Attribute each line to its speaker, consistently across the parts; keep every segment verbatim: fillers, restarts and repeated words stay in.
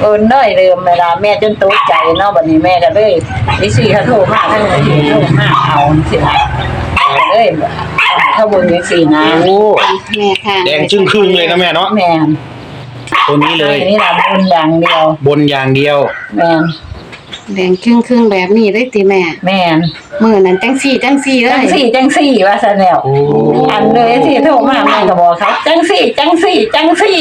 Speaker 1: โอนน้อยเดิมเวลาแม่จนตกใจเนาะบัดนี้แม่ก็เลยดิซี่เขาโทรมาทั้งที่โทรมาเอาสิล่ะก็เลยเขาบ่มีสินะ
Speaker 2: โอ้
Speaker 3: แม่ค่ะ
Speaker 2: แดงจึ้งครึ่งเลยนะแม่เนาะ
Speaker 1: แม่น
Speaker 2: ตัวนี้เลย
Speaker 1: นี่ล่ะบนอย่างเดียว
Speaker 2: บนอย่างเดียว
Speaker 1: แม่น
Speaker 3: แดงครึ่งครึ่งๆแบบนี้ได้ติแม่
Speaker 1: แม่น
Speaker 3: มื้อนั้นจังซี่จังซี่เล
Speaker 1: จัง
Speaker 3: ย
Speaker 1: สี่จังสี่ว่าซั่นแล้ว
Speaker 2: โอ้
Speaker 1: อันเลยที่โทรมาแม่ก็บอกเขาจังสี่จังสี่จังสี่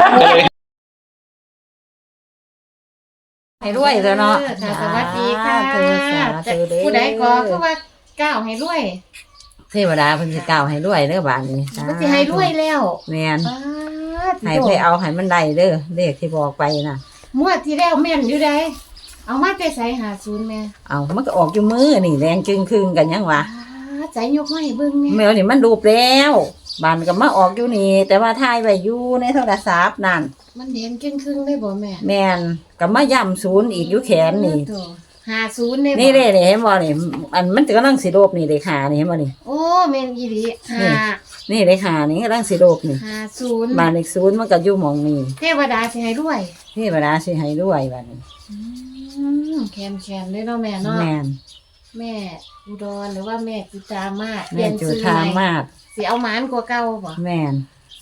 Speaker 1: ให้รวยเด้อเนาะ
Speaker 3: ค่ะสวัสดีค่ะ
Speaker 1: สาธุสาธุเด้อ
Speaker 3: ผู้ใดก็คือว่าก้าวให้รวย
Speaker 1: เทวดาเพิ่นสิกล่าวให้รวยเด้อบาดนี้
Speaker 3: เพิ่นสิให้รวยแล้ว
Speaker 1: แม่น
Speaker 3: ป๊าด
Speaker 1: ให้ไปเอาให้มันได้เด้อเลขที่บอกไปน่ะ
Speaker 3: งวดที่แล้วแม่นอยู่ใดเอามาแต่ไสหาศูนย์แม่
Speaker 1: เอามันก็ออกอยู่มือนี่แดงจึงครึ่งกันยังวะ
Speaker 3: ป๊าดใจยกมาให้เบิ่งแม่
Speaker 1: แมวนี่มันรูปแล้วบานก็มาออกอยู่นี่ แต่ว่าถ่ายไว้อยู่ในโทรศัพท์นั่น
Speaker 3: มันแดงครึ่งๆได้บ่แม่
Speaker 1: แม่นก็มาย่ำศูนย์อีกอยู่แขนนี่
Speaker 3: โอ้โธ่หาศูนย์ได้บ่
Speaker 1: นี่เด้นี่เห็นบ่นี่อันมันกำลังสิโลบนี่เด้ขานี่เห็นบ่นี่
Speaker 3: โอ้แม่นอีหลีหา
Speaker 1: นี่เด้ขานี่กำลังสิโลบนี่
Speaker 3: หาศูนย์
Speaker 1: บานอีกศูนย์มันก็อยู่หม่องนี้
Speaker 3: เทวดาสิให้รวย
Speaker 1: เทวดาสิให้ด้วยบัดนี้
Speaker 3: อืมแคนๆเลยเนาะแม่เนาะ
Speaker 1: แม่น
Speaker 3: แม่อุดรหรือว่าแม่จุตามาศ
Speaker 1: แม่จุธามาศ
Speaker 3: สิเอาหมานกว่าเก่าบ่
Speaker 1: แม่น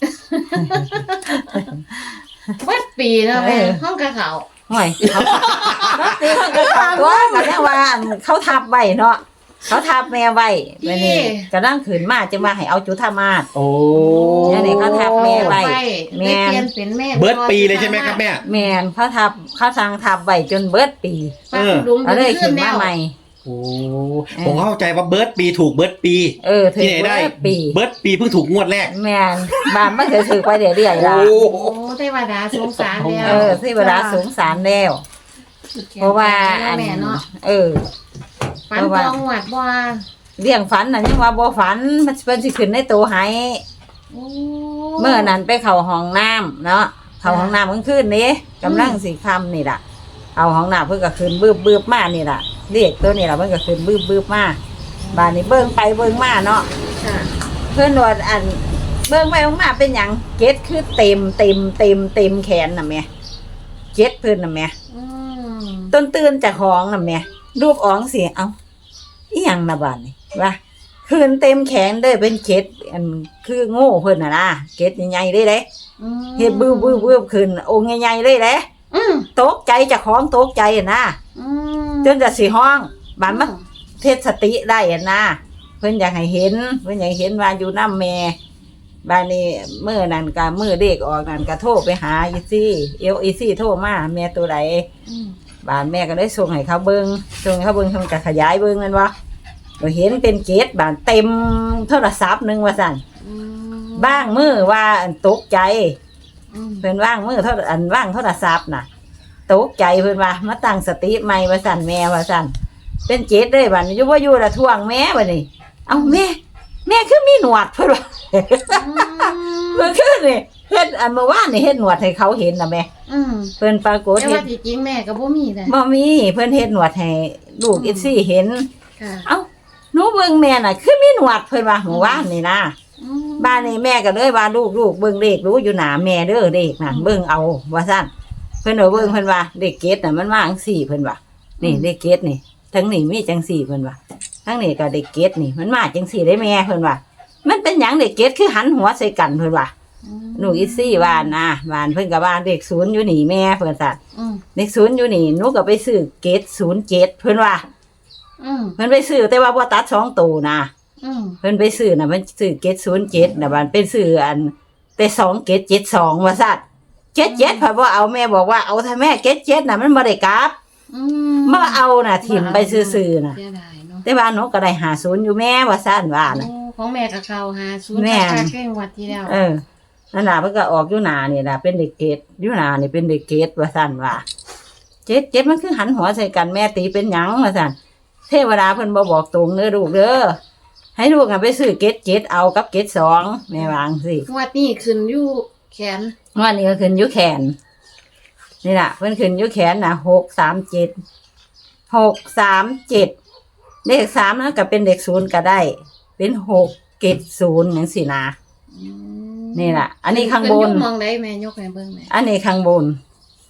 Speaker 3: เบิดปีเนาะแม่
Speaker 1: เออ
Speaker 3: ห้องกะเขา
Speaker 1: ห่วยเขาตีเขาก็ถามว่าก็แน่ว่าอันเขาทับไว้เนาะเขาทับแม่ไว้บัดนี้ก็นั่งขืนมาจะมาให้เอาจุธามาศ
Speaker 2: โอ้
Speaker 1: เนี่ยนี่เขาทับแม่ไว้แม่
Speaker 3: แม่เปลี่ยนเป็นแม่
Speaker 2: เบิร์ดปีเลยใช่ไหมครับแม่
Speaker 1: แม่นเขาทับเขาสั่งทับไว้จนเบิดปี
Speaker 3: ปักหลุม
Speaker 1: ก็เลย
Speaker 3: ขึ้
Speaker 1: ขึ้
Speaker 3: น
Speaker 1: น
Speaker 3: แล้
Speaker 1: มาว ใหม่
Speaker 2: โอ้ผมเข้าใจว่าเบิร์ดปีถูกเบิร์ดปี
Speaker 1: เออถึง
Speaker 2: ที่ไหนได้
Speaker 1: เบิดปี
Speaker 2: เบิร์ดปีเพิ่งถูกงวดแรก
Speaker 1: แม่นบ้านมันเคยถือไปเรื่อยๆล่ะ
Speaker 2: โอ้
Speaker 3: โอ้เทวดาสงสารแล้ว
Speaker 1: เออที่เวลาสงสารแล้ว เพราะว่าอัน
Speaker 3: แม่เนาะ
Speaker 1: เออ
Speaker 3: ฝันตองหวัดบ่
Speaker 1: เลี้ยงฝันน่ะยังว่าบ่ฝันมันสิเป็นสิขึ้นในตัวให้
Speaker 3: โอ้
Speaker 1: เมื่อนั้นไปเข้าห้องน้ำเนาะเข้าห้องน้ำกลางคืนนี้กำลังสิค่ำนี่ล่ะเอาห้องน้ำเพิ่นก็ขึ้นบึบๆมานี่ล่ะเรียกตัวนี่ล่ะเพิ่นก็ขึ้นบึบๆมาบ้านนี้เบิ่งไปเบิ่งมาเนาะ
Speaker 3: ค่ะ
Speaker 1: เพื่อนว่าอันเบิ่งไปเบิ่งมาเป็นหยังเก็ดคือเต็มเต็มเต็มเต็มแขนน่ะแม่เก็ดเพิ่นน่ะแม่
Speaker 3: อืม
Speaker 1: ต้นตื่นจากของน่ะแม่รูปอ๋องสิเอ้าอีหยังน่ะบาดนี่ว่าคืนเต็มแขนเด้อเป็นเก็ดอันคือโง่เพิ่นน่ะนะเก็ดใหญ่ๆเลยเด้
Speaker 3: อืม
Speaker 1: เฮ็ดบึ้บๆๆขึ้นองค์ใหญ่ๆเลยเด้
Speaker 3: อืม
Speaker 1: ตกใจจากของตกใจอะนะ
Speaker 3: อืม
Speaker 1: จนจะสิห้องบานมันเทศสติได้อะนะเพิ่นอยากให้เห็นเพิ่นอยากให้เห็นว่าอยู่นำแม่บานนี้มื้อนั้นก็มื้อเด็กออกนั่นก็โทรไปหาอีซี่เอลอีซี่โทรมาแม่ตัวใด
Speaker 3: อืม
Speaker 1: บานแม่ก็ได้ส่งให้เขาเบิ่งส่งให้เขาเบิ่งเพิ่นก็ขยายเบิ่งนั่นว่าก็เห็นเป็นเกตบานเต็มโทรศัพท์หนึงว่าซั่น
Speaker 3: อืม
Speaker 1: บ้างมือว่าอันตกใจ
Speaker 3: อืม
Speaker 1: เพิ่นว่างมือโทรอันว่างโทรศัพท์น่ะตกใจเพิ่นว่ามาตั้งสติใหม่ว่าซั่นแม่ว่าซั่นเป็นเกตเลยบัดนี้อยู่บ่อยู่ละท่วงแม่บัดนี้เอ้าแม่แม่คือมีหนวดเพิ่นว่า เมื่อคืนนี่เฮ็ดอันเมื่อวานนี่เฮ็ดหนวดให้เขาเห็นน่ะแม่
Speaker 3: อืม
Speaker 1: เพิ่นปรากฏ
Speaker 3: แต่
Speaker 1: เฮ็
Speaker 3: ว่า
Speaker 1: ด
Speaker 3: ที่จริงแม่ก็บ่มีเลย
Speaker 1: บ่มีเพิ่นเฮ็ดหนวดให้ลูกอีซี่เห็น
Speaker 3: ค่ะ
Speaker 1: เอ้าหนูเบิ่งแม่น่ะคือมีหนวดเพิ่นว่าเมื่อวานนี่นะ
Speaker 3: อืม
Speaker 1: บ้านนี้แม่ก็เลยว่าลูกลูกเบิ่งเลขรู้อยู่หน้าแม่เด้อเลขนั่นเบิ่งเอาว่าซั่นเพิ่นเอาเบิ่งเพิ่นว่าเลขเกตน่ะมันมาจังซี่เพิ่นว่านี่เลขเกตนี่ทั้งนี้มีจังซี่เพิ่นว่าทั้งนี้ก็เลขเกตนี่มันมาจังซี่ได้แม่เพิ่นว่ามันเป็นหยังเลขเกตคือหันหัวใส่กันเพิ่นว่าหนูอีซี่ว่านะบ้านเพิ่นก็ว่าเลขศูนย์อยู่นี่แม่เพิ่นซั่น
Speaker 3: อืม
Speaker 1: เลขศูนย์อยู่นี่หนูก็ไปซื้อเกตศูนย์เจ็ดเพิ่นว่า
Speaker 3: อืม
Speaker 1: เพิ่นไปซื้อแต่ว่าบ่ตัดสองตัวนะ
Speaker 3: อืม
Speaker 1: เพิ่นไปซื้อน่ะเพิ่นซื้อเกตศูนย์เจ็ดน่ะบ้านเป็นซื้ออันแต่สองเกตเจ็ดสองว่าซั่นเจ็ดเจ็ดพอบ่เอาแม่บอกว่าเอาถ้าแม่เกตเจ็ดน่ะมันบ่ได้กลับ
Speaker 3: อื
Speaker 1: มาเอาน่ะถิ่มไปซื่อๆน่ะ
Speaker 3: เสียดายเนาะ
Speaker 1: แต่ว่าหนูก็ได้หาศูนย์อยู่แม่ว่าซั่นว่าน่ะ
Speaker 3: โอ้ของแม่กับเขาหาศูนย์
Speaker 1: แม่
Speaker 3: ค่าเครื่องวัดที่แล้ว
Speaker 1: เออนั่นล่ะเพิ่นก็ออกอยู่หน้านี่ล่ะเป็นเด็กเกตอยู่หน้านี่เป็นเด็กเกตว่าซั่นว่าเจ็ดเจ็ดมันคือหันหัวใส่กันแม่ตีเป็นหยังว่าซั่นเทวดาเพิ่นบ่บอกตรงเด้อลูกเด้อให้ลูกน่ะไปซื้อเกตเจ็ดเอากับเกตสองแม่วาจั่งสิ
Speaker 3: งวดนี้ขึ้นอยู่แขน
Speaker 1: ว่านี่ก็ขึ้นอยู่แขนนี่ล่ะเพิ่นขึ้นอยู่แขนน่ะหกสามเจ็ดหกสามเจ็ดเลขสามนะก็เป็นเลขศูนย์ก็ได้ เป็นหกเกตศูนย์จังซี่นะ
Speaker 3: อืม
Speaker 1: นี่ล่ะอันนี้ข้างบน
Speaker 3: ขึ้อยู่มองได้แม่ยกให้เบิ่งแม่
Speaker 1: อันนี้ข้างบน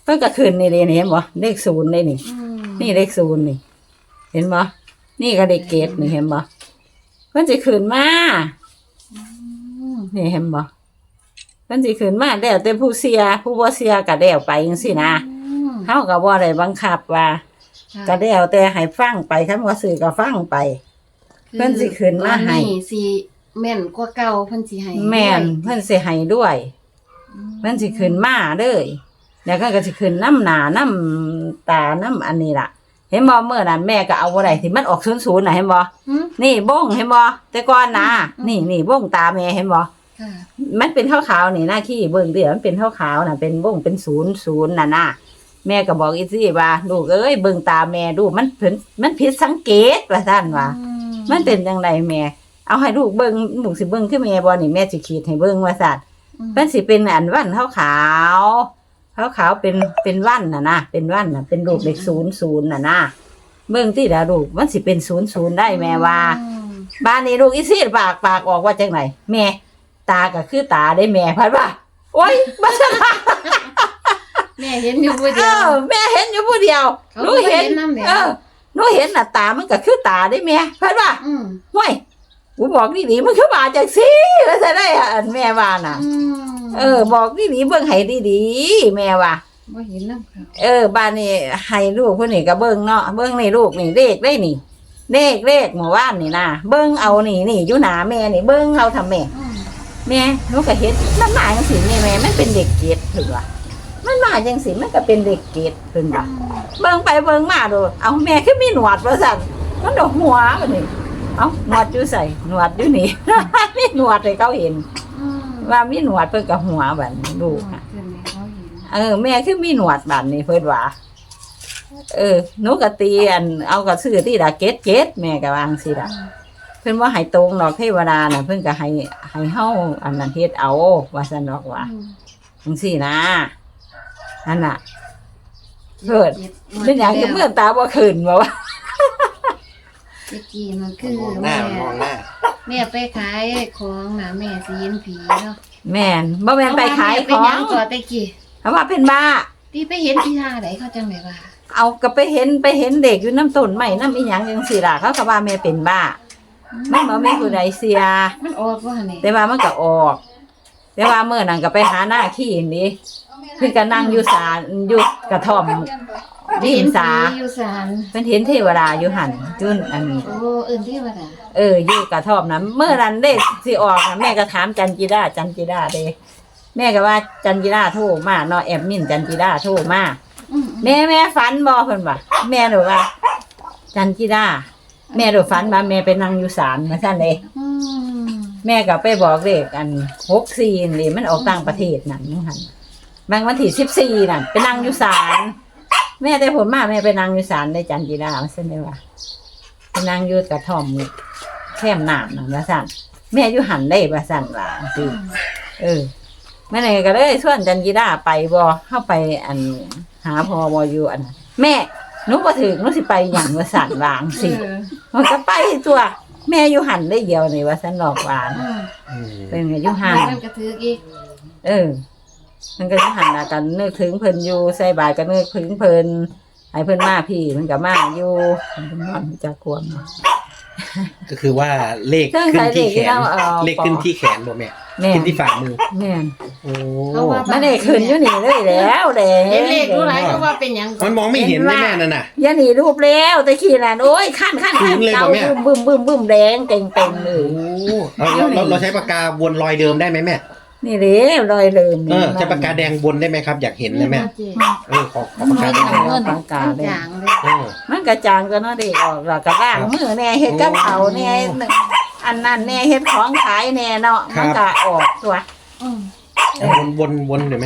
Speaker 1: พิ่นก็ขึ้นนี่เลยนี่เห็นบ่เลขศูนย์เลยนี่
Speaker 3: อืม
Speaker 1: นี่เลขศูนย์นี่ เห็นบ่นี่ก็เลขเกตนี่เห็นบ่เพิ่นสิขึ้นมา
Speaker 3: อืม
Speaker 1: นี่เห็นบ่เพิ่นสิขึ้นมาแล้วแต่ผู้เสียผู้บ่เสียก็แล้วไปจังซี่นะ
Speaker 3: อืม
Speaker 1: เฮาก็บ่ได้บังคับว่า
Speaker 3: ค่ะ
Speaker 1: ก็แล้วแต่ให้ฟังไปคันว่าซื้อก็ฟังไป เพิ่นสิขึ้นมาให้
Speaker 3: ตอนนี้สิแม่นกว่าเก่าเพิ่นสิให้
Speaker 1: แม่น
Speaker 3: ด้วย
Speaker 1: เพิ่นสิให้ด้วย
Speaker 3: อื
Speaker 1: เพิ่นสิขึ้นมาเด้อแล้วก็ก็สิขึ้นน้ำหน้าน้ำตาน้ำอันนี้ล่ะ เห็นบ่เมื่อนั้นแม่ก็เอาบ่ได้ที่มันออกศูนย์ศูนย์น่ะเห็นบ่
Speaker 3: อืม
Speaker 1: นี่บ้งเห็นบ่แต่ก่อนนะ
Speaker 3: อืม
Speaker 1: นี่นี่บ้งตาแม่เห็นบ่
Speaker 3: ค่ะ
Speaker 1: มันเป็นขาวๆนี่หน้าขี้เบิ่งเดี๋ยวมันเป็นขาวๆน่ะเป็นบ้งเป็นศูนย์ศูนย์น่ะนะแม่ก็บอกอีซี่ว่าลูกเอ้ยเบิ่งตาแม่ดูมันเพิ่นมันผิดสังเกตว่าซั่นว่า
Speaker 3: อื
Speaker 1: มันเป็นจังไดแม่ เอาให้ลูกเบิ่งลูกสิเบิ่งคือแม่บ่นี่แม่สิขีดให้เบิ่งว่าซั่น
Speaker 3: อืม
Speaker 1: เพิ่นสิเป็นอันวันขาวขาวขาวขาวๆเป็นเป็นวันน่ะนะเป็นวันน่ะเป็นรูปเลขศูนย์ศูนย์น่ะนะเบิ่งที่ดาลูกมันสิเป็นศูนย์ศูนย์ได้แม่ว่า
Speaker 3: อืม
Speaker 1: บ้านนี้ลูกอีซี่ปากปากออกว่าจังไหนแม่ตาก็คือตาได้แม่พัดว่าโอ๊ยบ่ใช่
Speaker 3: แม่เห็นอยู่ผู้
Speaker 1: เอ
Speaker 3: เดียว
Speaker 1: อแม่เห็นอยู่ผู้เดียว
Speaker 3: เขา
Speaker 1: หนู
Speaker 3: บ่
Speaker 1: เห็น
Speaker 3: เห็นนำแล้ว
Speaker 1: เออหนูเห็นน่ะตามันก็คือตาได้แม่พัดว่า
Speaker 3: อืม
Speaker 1: ห้วยกูบอกดีๆมันคือมาจังซี่ว่าจะได้อันแม่ว่าน่ะ
Speaker 3: อืม
Speaker 1: เออ บอกดีๆเบิ่งให้ดีๆแม่ว่า
Speaker 3: บ่เห็นนำเขา
Speaker 1: เออบ้านนี้ให้ลูกคนนี้ก็เบิ่งเนาะเบิ่งนี่ลูกนี่เลขได้นี่เลขเลขเมื่อวานนี่นะเบิ่งเอานี่นี่อยู่หน้าแม่นี่เบิ่งเอาทำแม่
Speaker 3: อืม
Speaker 1: แม่หนูก็เฮ็ดมันมาจังซี่นี่แม่มันเป็นเด็กเกดถึงว่ามันมาจังซี่มันก็เป็นเด็กเกดถึงว่าเบิ่งไปเบิ่งมาโดเอาแม่คือมีหนวดว่าซั่นมันดอกหัวบัดนี้เอ้าหนวดอยู่ใส่หนวดอยู่นี่ มีหนวดให้เขาเห็น
Speaker 3: อืม
Speaker 1: ว่ามีหนวดเพิ่นก็หัวบัดนี้ลูกน่ะ
Speaker 3: เพิ่นให้เขาเห็น
Speaker 1: เออแม่คือมีหนวดบัดนี้เพิ่นว่าเออหนูก็ตีอันเอาก็ซื้อที่ละเกดเกดแม่ก็วาจั่งสิล่ะ เพิ่นว่าให้ตรงดอกเทวดาน่ะเพิ่นก็ให้ให้เฮาอันนั้นเฮ็ดเอาว่าซั่นดอกว่า
Speaker 3: อืม
Speaker 1: จังซี่นะนั่นน่ะ เกิด
Speaker 3: จ็
Speaker 1: เป็นหยังคือเมื่อตาบ่ขึ้นบ่ว่า
Speaker 3: เมื่อกี้มันคือ
Speaker 2: มองหน้า
Speaker 3: แม่
Speaker 2: มองหน้า
Speaker 3: แม่ไปขายของน่ะแม่สิเห็นผีเนาะ
Speaker 1: แม่นบ่แม่นไปขายข
Speaker 3: เป็น
Speaker 1: อ
Speaker 3: หยัง
Speaker 1: ง
Speaker 3: ก่อนตะกี้
Speaker 1: เพราะว่าเป็นบ้า
Speaker 3: ที่ไปเห็นที่ท่าไหนเขาจังได๋ว่า
Speaker 1: เอาก็ไปเห็นไปเห็นเด็กอยู่น้ำต้นไม้น้ำอีหยังจังซี่ล่ะเขาก็ว่าแม่เป็นบ้ามันบ่มีผู้ใดเสีย
Speaker 3: มันออกว่านี่
Speaker 1: แต่ว่ามันก็ออก แต่ว่าเมื่อนั้นก็ไปหาหน้าขี้นี่เพิ่นก็นั่งอยู่ศาลอยู่กระท่อม ริมสา
Speaker 3: เห็นผีอยู่ศาล
Speaker 1: เพิ่นเห็นเทวดาอยู่หั่นจุนอันนี้
Speaker 3: โอ้เอิ้นเทวดา
Speaker 1: เอออยู่กระท่อมนะเมื่อนั้นเลขสิออกนะแม่ก็ถามจันจิดาจันจิดาเด้แม่ก็ว่าจันจิดาโทรมาเนาะแอบมินจันจิดาโทรมา
Speaker 3: อืม
Speaker 1: แม่แม่ฝันบ่เพิ่นว่าแม่หนูว่า จันจิดาแม่หนูฝันว่าแม่ไปนั่งอยู่ศาลมาซั่นเด้
Speaker 3: อืม
Speaker 1: แม่ก็ไปบอกเลขอันหกสี่นี่มันออกต่างประเทศนั่นนู่นหั่นบางวันที่สิบสี่นั่นไปนั่งอยู่ศาลแม่แต่ผลมาแม่ไปนั่งอยู่ศาลในจันจิดาว่าซั่นเด้ว่าไปนั่งอยู่กระท่อมแคมน้ำนั่นว่าซั่นแม่อยู่หันได้ว่าซั่นว่าสิเออแม่ไหนก็เลยชวนจันจิดาไปบ่เข้าไปอันหาพอบ่อยู่อันนั้นแม่หนูบ่ถึงหนูสิไปหยังว่าซั่นวาจั่งสิ
Speaker 3: เออ
Speaker 1: มันก็ไปตัวแม่อยู่หันได้เดียวนี่ว่าซั่นดอกหวาน
Speaker 3: อืม
Speaker 2: อืม
Speaker 1: เป็นไงอยู่หัน
Speaker 3: มันก็ถืออีก
Speaker 1: เออ มันก็อยู่หันน่ะกันนึกถึงเพิ่นอยู่ใส่บาตรก็นึกถึงเพิ่นให้เพิ่นมาพี่มันก็มาอยู่เพิ่นนอนจากควม
Speaker 2: ก็คือว่าเลข
Speaker 1: เครื่อง
Speaker 2: ขึ้น
Speaker 1: ใส่
Speaker 2: ที่
Speaker 1: เลข
Speaker 2: แข
Speaker 1: ที่
Speaker 2: น
Speaker 1: เราเอา
Speaker 2: เลขขึ้นที่แขนบ่แม่
Speaker 1: แม่น
Speaker 2: ขึ้นที่ฝ่ามือ
Speaker 1: แม่น
Speaker 2: โอ้
Speaker 1: มันได้ขึ้นอยู่นี่เลยแล้วแดง
Speaker 3: เห็นเลขรู้หลายก็ว่าเป็นหยังก่อ
Speaker 2: มัน นมองไม่เห็นเลยแม่นั่นน่ะ
Speaker 1: อย่าหนีรูปแล้วแต่ขี้นั่นโอ้ยขั้นขั้น
Speaker 2: ขึ้
Speaker 1: ขั้น
Speaker 2: นเลย
Speaker 1: เก่า
Speaker 2: บ่แม่
Speaker 1: บึ้มบึ้มบึ้มแดงเต็งเต็งเล
Speaker 2: โอ้
Speaker 1: ย
Speaker 2: เราเราเราใช้ปากกาวนรอยเดิมได้ไหมแม่
Speaker 1: นี่เด้รอยเลิม
Speaker 2: เออใช้ปากกาแดงวนได้ไหมครับ อยากเห็นเลยแม่
Speaker 3: เจ๊
Speaker 2: เออขอขอปากกาแดง
Speaker 1: เงินปากกา
Speaker 3: มัน
Speaker 1: เลย
Speaker 3: จางเลย
Speaker 2: เออ
Speaker 1: มันกระจางก็เนาะเด็กออกแล้วก็ล้างมือแน่เฮ็ดกับเขาวแน่อันนั้นแน่เฮ็ดของขายแน่เนาะมันก็ออกตัว
Speaker 3: อืม
Speaker 2: วนวนวนเดี๋ยวแม่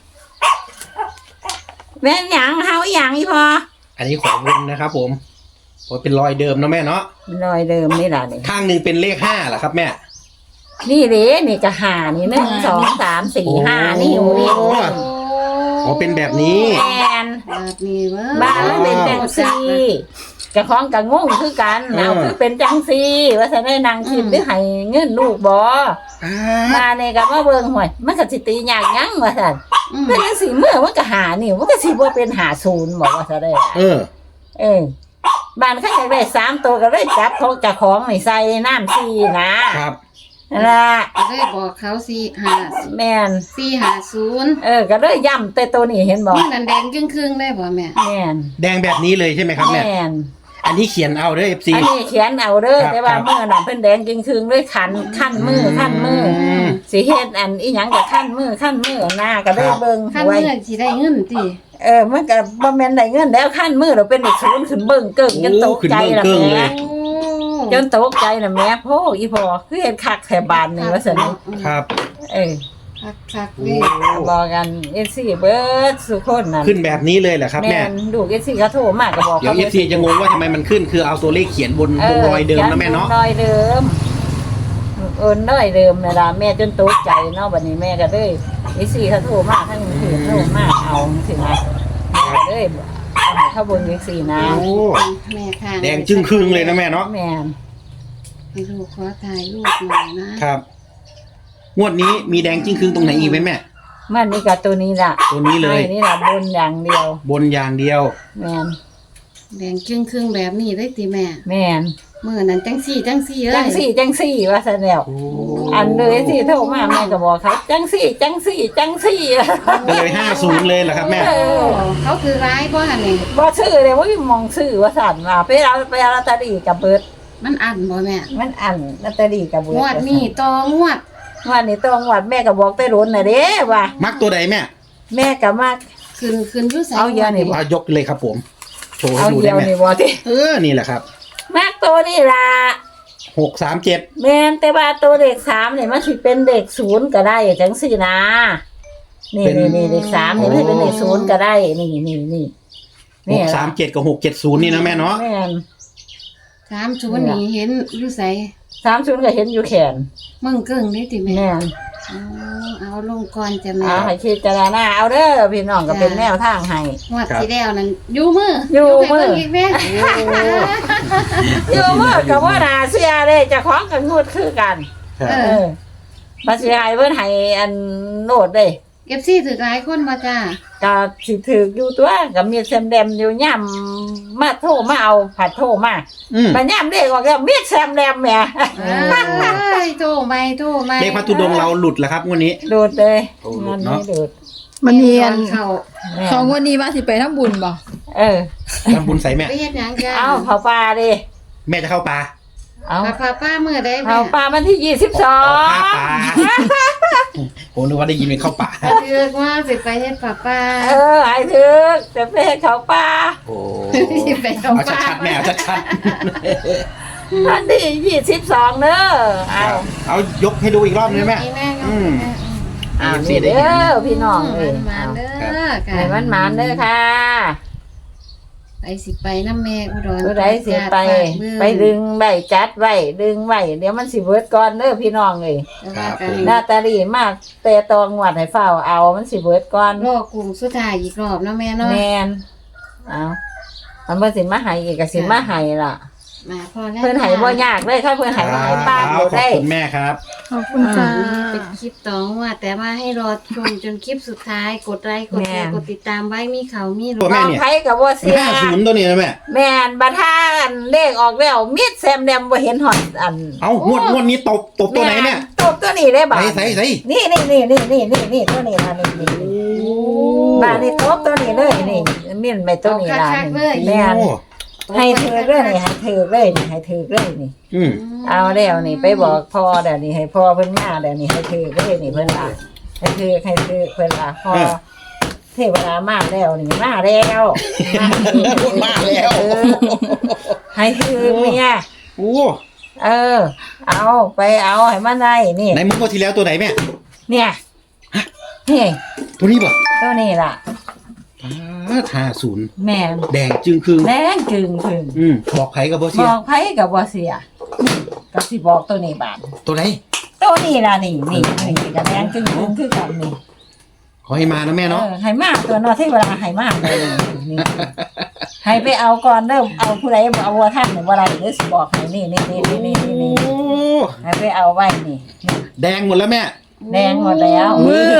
Speaker 1: แม่นหยังเฮาอีหยังอีพอ
Speaker 2: อันนี้ของวนนะครับผมเพราะเป็นรอยเดิมเนาะแม่เนาะ
Speaker 1: รอยเดิมนี่ล่ะนี่
Speaker 2: ข้างหนึ่งเป็นเลขห้าเหรอครับแม่
Speaker 1: นี่เด้นี่ก็ห้านี่หนึ่งสองสามสี่ห้านี่อยู่นี่
Speaker 2: โอ้ อ๋อเป็นแบบนี้
Speaker 1: แม่น
Speaker 3: แบบนี้เว้ย
Speaker 1: บ้านมันเป็นจังซี่กะของกะงงคือกันเอาคือเป็นจังซี่ว่าซั่นได้นางคิดหรือให้เงินลูกบ่
Speaker 2: อ่า
Speaker 1: มาเนี่ยก็มาเบิ่งห่วยมันก็สิตียากหยังว่าซั่น
Speaker 3: อืม
Speaker 1: เป็นจังสี่เมื่อมันก็หานี่มันก็สิบ่เป็นหาศูนย์บอกว่าซะได้ล่ะ
Speaker 2: เออ
Speaker 1: เออบ้านเขาอยากได้สามตัวก็เลยจับเขาเจะของนี่ใส่น้ำซีนะครับ นั่นล่ะ
Speaker 3: ก็เลยบอกเขาสี่ห้า
Speaker 1: แม่น
Speaker 3: สี่ห้าศูนย์
Speaker 1: เออก็เลยย่ำแต่ตัวนี้เห็นบ่
Speaker 3: นี่นั่นแดงครึ่งๆได้บ่แม่
Speaker 1: แม่น
Speaker 2: แดงแบบนี้เลยใช่ไหมครับแม่
Speaker 1: แม่น
Speaker 2: อันนี้เขียนเอาเด้อ เอฟ ซี
Speaker 1: อันนี้เขียนเอาเด้อ
Speaker 2: ครับ
Speaker 1: แต่ว่า
Speaker 2: ครับ
Speaker 1: เมื่อน่ะเพิ่นแดงจริงคืงด้วยขันขั้นมือขั้นมือ
Speaker 2: ม
Speaker 1: สิเฮ็ดอันอีหยังก็ขั้นมือขั้นมือหน้าก็ได้
Speaker 2: ครับ
Speaker 1: เบิ่ง
Speaker 3: ขั้น
Speaker 1: ไว้
Speaker 3: เมื่อสิได้เงินติ
Speaker 1: เออมันก็บ่แม่นได้เงินแล้วขั้นมือเราเป็นเด็กศูนย์ขึ้นเบิ่งเกิ่งจนตกใจละ
Speaker 2: โอ้ขึ้นเบิ่งเกิ่งเล
Speaker 1: แม่
Speaker 2: ย
Speaker 3: โอ้
Speaker 1: จนตกใจละแม่โพอีพ่อคือเฮ็ดคักแถบานนี่ว่าซั่นนี่
Speaker 2: ครับ
Speaker 1: เออ
Speaker 3: คักคักๆ
Speaker 2: โอ้
Speaker 3: เลย
Speaker 1: บอกกันเอฟซีเบิร์ดสุคนนั่น
Speaker 2: ขึ้นแบบนี้เลยเหรอครับ
Speaker 1: แม่
Speaker 2: แม่
Speaker 1: นดูเอฟซีเขาโทรมาก็บอก
Speaker 2: เดี๋ยว เอฟ ซีจะงงว่าทำไมมันขึ้นคือเอาตัวเลขเขียนบนบนรอยเดิมนะแม่เนาะ
Speaker 1: รอยเดิมเอินรอยเดิมนี่ล่ะแม่จนตกใจเนาะบัดนี้แม่ก็เลยเอฟซีเขาโทรมาทั้งคืนโทรมาเอาสินะแม่ก็เลยเอาให้เข้าบนเอฟซีนะ
Speaker 2: โอ้
Speaker 3: แม่ค่ะ
Speaker 2: แดงจึ้งครึ่งเลยนะแม่เนาะ
Speaker 1: แม่น
Speaker 3: ให้ลูกขอถ่ายรูปหน่อยนะครับ
Speaker 2: งวดนี้มีแดงจึ้งครึ่งตรงไหนอีกไหมแม่
Speaker 1: มันนี่กับตัวนี้ล่ะ
Speaker 2: ตัวนี้เลย
Speaker 1: ให้นี่ล่ะบนอย่างเดียว
Speaker 2: บนอย่างเดียว
Speaker 1: แม่น
Speaker 3: แดงครึ่งครึ่งๆแบบนี้ได้ติแม่
Speaker 1: แม่น
Speaker 3: เมื่อนั้นจังสี่จังสี่เลย
Speaker 1: จังสี่จังสี่ว่าซะแล้ว
Speaker 2: โอ้
Speaker 1: อันเลยสิโทรมาแม่ก็บอกเขาจังสี่จังสี่จังสี่
Speaker 2: ก็เลยห้าศูนย์เลยเหรอครับแม่
Speaker 1: เอ
Speaker 3: โอ้
Speaker 1: อ
Speaker 3: เขาคือร้ายบ่หั่นนี่
Speaker 1: บ่ซื้อเลยว่ามองซื้อว่าสั่นมาไปเอาไปเอาลอตเตอรี่กับเบิด
Speaker 3: มันอันบ่แม่
Speaker 1: มันอันลอตเตอรี่กับเบิด
Speaker 3: งวดนี้ต่องวด
Speaker 1: งวดนี้ต้องงวดแม่ก็บอกแต่รุนน่ะเด้ว่า
Speaker 2: มักตัวใดแม่
Speaker 1: แม่ก็มา
Speaker 3: ขึ้นขึ้นอยู่ไส
Speaker 1: เอาเยอะนี่บ่
Speaker 2: เอายกเลยครับผม โชว์ให้
Speaker 1: เอา
Speaker 2: ดู
Speaker 1: เดี
Speaker 2: ได้
Speaker 1: ยว
Speaker 2: ไหม
Speaker 1: นี่บ่ติ
Speaker 2: เออ นี่แหละครับ
Speaker 1: มากตัวนี่ล่ะ
Speaker 2: หกสามเจ็ด
Speaker 1: แม่นแต่ว่าตัวเลขสามนี่มันสิเป็นเลขศูนย์ก็ได้จังซี่นะ นี่นี่นี่เลขสามนี่มันสิเป็นเลขศูนย์ก็ได้ นี่นี่นี่
Speaker 2: หกสามเจ็ดกับหกเจ็ดศูนย์นี่นะแม่เนาะ
Speaker 1: แม่น
Speaker 3: สามศูนย์นี่เห็นอยู่ไส
Speaker 1: สามศูนย์ก็เห็นอยู่แขน
Speaker 3: มึงเกิ่งนี่ติแม่
Speaker 1: แม่น
Speaker 3: อ๋อเอาลงก่อนจ้ะแม่
Speaker 1: เอาให้คิดจารณาเอาเด้อพี่น้องก็เป็นแนวทางให้
Speaker 3: งวดที่แล้วนั่นอยู่มือ
Speaker 1: อยู่มือ
Speaker 3: ให้เบิ่งอีกแม่
Speaker 1: อยู่เมื่อกับว่านาเสียเลยเจะคล้าของกับงวดคือกัน
Speaker 2: ครับ
Speaker 3: เอ
Speaker 1: เอ
Speaker 3: อ
Speaker 1: อมาเสียให้เพิ่นให้อันโนดเด้
Speaker 3: เอฟซีถือหลายคนมาจ้า
Speaker 1: ก็สิถืออยู่ตัวก็มีแซมแดมอยู่ย่ำมาโทรมาเอาผัดโทรมา
Speaker 2: อืม
Speaker 1: มาย่ำเด็กออกแล้วมีแซมแดมแหม่
Speaker 3: เอ้ยโทรไม่โทรไม่
Speaker 2: เลขพัทุดงค์เราหลุดแล้วครับงวันนี้
Speaker 1: โดดเลย
Speaker 2: โอ้
Speaker 1: มัน
Speaker 2: เนาะ
Speaker 1: ไม่โดด
Speaker 4: มันเนียน
Speaker 3: เขา
Speaker 1: แม่
Speaker 4: ของวันนี้ว่าสิไปทำบุญบ่
Speaker 1: เออ
Speaker 2: ทำบุญใส่แม่
Speaker 3: ไปเฮ็ดหยังจ้า
Speaker 1: เอาเผาปลาดิ
Speaker 2: แม่จะเข้าป่า
Speaker 1: เอา
Speaker 3: พาพาป้าเมื่อได้
Speaker 1: เผา
Speaker 3: แม่
Speaker 1: ปลาวันที่ยี่สิบสอ
Speaker 2: เอาผ้าง ป่าผมนึกว่าได้ยินเป็นเข้าป่า
Speaker 3: เลือกว่าสิไปเฮ็ดป้าป้า
Speaker 1: เออไอ้ถึกจะไปให้เขาปลา
Speaker 2: โอ้
Speaker 3: สิไปเอา
Speaker 2: เอา
Speaker 3: ป้า
Speaker 2: ชัดๆแม่เอาชัด
Speaker 1: วันที่ยี่สิบสองเด้อ
Speaker 2: ๆ
Speaker 1: เอา
Speaker 2: เอายกให้ดูอีกรอบนึงแม่
Speaker 3: แม่
Speaker 2: อืม
Speaker 1: อ่า
Speaker 2: เอฟซี
Speaker 1: นี่
Speaker 2: ได้
Speaker 1: เด้
Speaker 2: ยิน
Speaker 1: อพี่น้องเอ้ย
Speaker 3: มันมาเด้อค่ะ
Speaker 1: ให้มันหมานเด้อค่ะ
Speaker 3: ไปสิไปน้ำแม่อุดร
Speaker 1: ผู้ใดสิไป
Speaker 3: ฝากเบิ่ง
Speaker 1: ไปดึงใบจัดไว้ดึงไว้เดี๋ยวมันสิเบิดก่อนเด้อพี่น้องเอ้ย
Speaker 3: แต่ว่ากัน
Speaker 1: หน้าตาดีมากแต่ตองหวัดให้เฝ้าเอามันสิเบิดก่อน
Speaker 3: รอกลุ่มสุดท้ายอีกรอบเนาะแม่เนาะ
Speaker 1: แมนเอามันบ่สิมาให้อีกก็สิมาให้ล่ะ
Speaker 3: มาพอแล้ว
Speaker 1: เพิ่นให้บ่ยากเลยถ้าเพิ่นให้มาให้ป้า
Speaker 2: เอา
Speaker 1: บ่
Speaker 2: ขอบ
Speaker 1: ได้
Speaker 2: คุณแม่ครับ
Speaker 4: ขอบคุณค่ะ
Speaker 3: เป็นคลิปต่อว่าแต่ว่าให้รอชมจนคลิปสุดท้ายกดไลค์กดแชร์กดติดตามไว้มีเขามีรู
Speaker 2: ตัวแม่
Speaker 1: น้อง
Speaker 2: เนี่ย
Speaker 1: ไผก็บ่เสีย
Speaker 2: ห้าศูนย์ตัวนี้นะแม่
Speaker 1: แม่นบัดท่าอันเลขออกแล้วมิดแซมแดมบ่เห็นฮอดอัน
Speaker 2: เอางวดงวดนี้ตบตบตัวไหนเนี่ย
Speaker 1: ตบตัวนี้ได้บ่
Speaker 2: ใส่ใส่ใส่
Speaker 1: นี่นี่นี่นี่นี่นี่นี่ตัวนี้ล่ะนี่นี่บ้านนี่ตบตัวนี้เลยนี่มีนไปตัวนี้ล่ะนี่แม่น
Speaker 2: โอ้
Speaker 1: ให้ถือเลยนี่ให้ถือเลยนี่ให้ถือเลยนี่
Speaker 2: อืม
Speaker 1: เอาแล้วนี่ไปบอกพ่อเดี๋ยวนี้ให้พ่อเพิ่นมาเดี๋ยวนี้ให้ถือเลยนี่เพิ่นว่าให้ถือให้ถือเพิ่นว่าพ่อเทวดามาแล้วนี่มาแล้ว
Speaker 2: มาแล้ว
Speaker 1: เออให้ถือเมีย
Speaker 2: โอ้
Speaker 1: เออ เอาไปเอาให้มันได้นี่
Speaker 2: ไหนมึงงวดที่แล้วตัวไหนแม่
Speaker 1: เนี่ยนี่
Speaker 2: ตัวนี้ป่ะ
Speaker 1: ตัวนี้ล่ะ
Speaker 2: ห้าศูนย์
Speaker 1: แม่น
Speaker 2: แดงจึงครึ่ง
Speaker 1: แดงจึงถึง
Speaker 2: อืมบอกใครกับโบ
Speaker 1: บ
Speaker 2: เซีย
Speaker 1: อกไผกับบ่เสียก็สิบอกตัวนี้บาด
Speaker 2: ตัวไหน
Speaker 1: ตัวนี้ล่ะนี่นี่นี่ก็แดงจึงถึงคือกันนี่
Speaker 2: ขอให้มานะแม่เนาะ
Speaker 1: เออให้มากตัวเนอที่เวลาให้มากเลยนี่ให้ไปเอาก่อนเด้อเอาผู้ใดเอาวัวท่านหรือว่าอะไรหรือสิบอกให้นี่นี่นี่นี่นี่นี่นี่
Speaker 2: โอ้
Speaker 1: ให้ไปเอาไว้นี่นี่
Speaker 2: แดงหมดแล้วแม่
Speaker 1: แดงหมดแล้ว
Speaker 4: มือ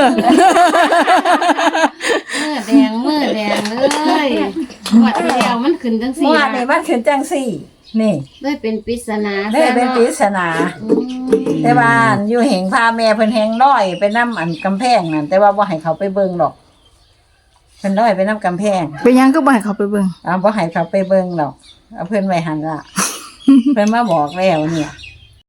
Speaker 3: เมื่อแดงเมื่อแดงเลยงวดที่แล้วมันขึ้นจังสี่
Speaker 1: เมื่อนี่มันขึ้นจังสี่ นี่
Speaker 3: เลยเป็นปริศนา
Speaker 1: ได้เป็นปริศนา
Speaker 3: อืม
Speaker 1: แต่ว่าอยู่เหงพาแม่เพิ่นแหงร้อยไปนำอันกำแพงนั่นแต่ว่าบ่ให้เขาไปเบิ่งหรอกเพิ่นร้อยไปนำกำแพง
Speaker 4: เป็นหยังก็บ่ให้เขาไปเบิ่ง
Speaker 1: อ่าบ่ให้เขาไปเบิ่งหรอกเอาเพิ่นไว้หั่นล่ะ เพิ่นมาบอกแล้วเนี่ย